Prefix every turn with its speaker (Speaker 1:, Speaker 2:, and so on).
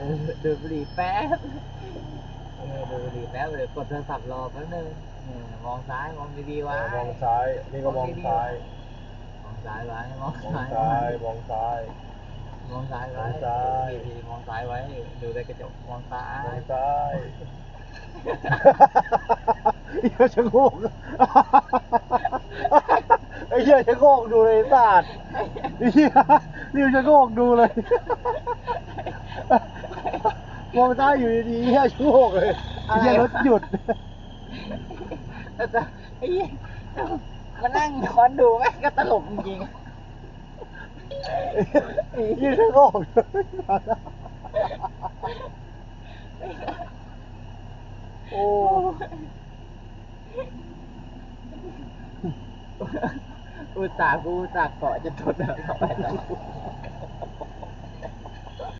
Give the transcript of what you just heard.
Speaker 1: ดูบุหรี่แป๊บดูบุหรี่แป๊บเลยกดโทรศัพท์รอแป๊บนึงมองซ้ายมองดีๆไว้
Speaker 2: มองซ้ายนี่ก็มองซ้าย
Speaker 1: มองซ้ายไว้มอง
Speaker 2: มอง
Speaker 1: ซ้าย
Speaker 2: ซ้ายมองซ้าย
Speaker 1: มองซ้ายไว้มองซ้ายไว้ดูในกระจกมองซ้าย
Speaker 2: มองซ้าย
Speaker 3: เหี้ยชะโงกไอ้เหี้ยชะโงกดูเลยศาสตร์ไอ้เหี้ยนี่ชะโงกดูเลยมองซ้ายอยู่ดีๆเหี้ยชะโงกเลยไอ้เหี้ยรถหยุด
Speaker 1: แต่ไอ้ยี่มานั่งย้อนดูแม่งก็ตลกจริง
Speaker 3: ยี่ชะโงกโอ้
Speaker 1: อุตส่าห์เกาะจะทนแล้วไปแล้ว